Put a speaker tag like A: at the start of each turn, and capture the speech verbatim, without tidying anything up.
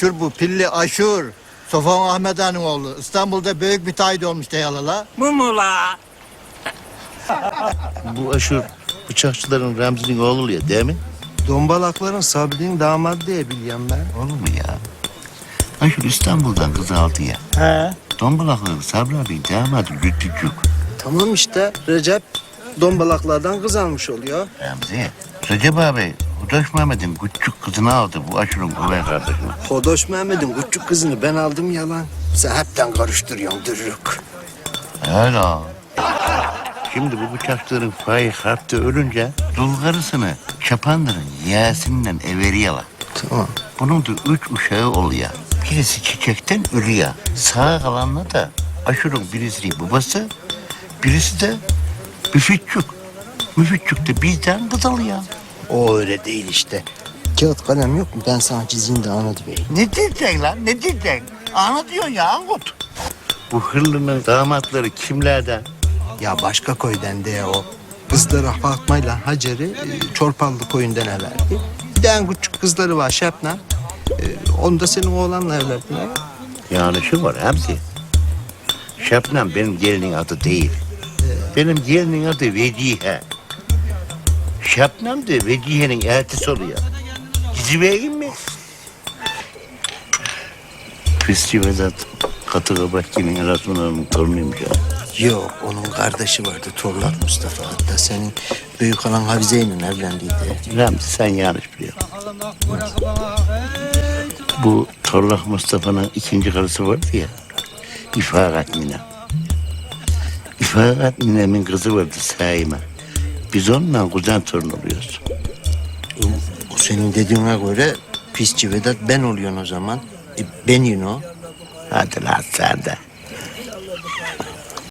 A: Aşur bu, pilli Aşur. Sofan Ahmet Han'ın oğlu. İstanbul'da büyük müteahhit olmuş deyalala.
B: Bu mu la?
C: Bu Aşur bıçakçıların Remzi'nin oğlu oluyor değil mi?
D: Dombalakların Sabri'nin damadı diye biliyorum ben.
C: Olur mu ya? Aşur İstanbul'dan kız aldı ya.
D: He.
C: Dombalakların Sabri abi damadı Lütfücük.
D: Tamam işte Recep dombalaklardan kız almış oluyor.
C: Remzi, Recep abi Hudaş Mehmet'in küçük kızını aldı bu Aşur'un kuvvet kardeşini.
D: Hodoş Mehmet'in küçük kızını ben aldım yalan. Sen hepten karıştırıyorsun dürürük.
C: Öyle. Şimdi bu bıçakçıların Faik Harp'te ölünce dul karısını Çapandır'ın yeğesinden everiyorlar.
D: Tamam.
C: Bunun da üç uşağı oluyor. Birisi çiçekten ölüyor. Sağ kalanla da Aşur'un birisi babası, birisi de Müfitçük. Müfitçük de bizden kız alıyor.
D: O öyle değil işte. Kağıt kalem yok mu? Ben sana çizeyim de anlat bey.
C: Ne diyeceksin lan? Ne diyeceksin? Anlatıyorsun ya Angut. Bu hırlının damatları kimlerden?
D: Ya başka köyden de o. Kızları Fatma'yla Hacer'i e, Çorpanlı köyünden evlerdi. Bir de en küçük kızları var Şebnem. E, onu da senin oğlanla evlendiler.
C: Yanlışı var hepsi. Şebnem benim gelinin adı değil. Benim gelinin adı Vecihe. Şebnem de Vecihe'nin eltisi oluyor. Dizi vereyim mi? Pisçi Vedat Katı Kabakçı'nın Erasmus'un torunuymuş ya.
D: Yok, onun kardeşi vardı Torlat Mustafa. Hatta senin büyük halan Havize'yle evlendiydi.
C: Ramzi sen yanlış biliyorsun. Bu Torlak Mustafa'nın ikinci karısı vardı ya. İfakat Nine. İfakat Nine'min kızı vardı Saime. Biz onunla kuzen torun oluyoruz.
D: O senin dediğine göre pisçi Vedat ben oluyorsun o zaman. E, ben yine o.
C: Hadi lan sen de.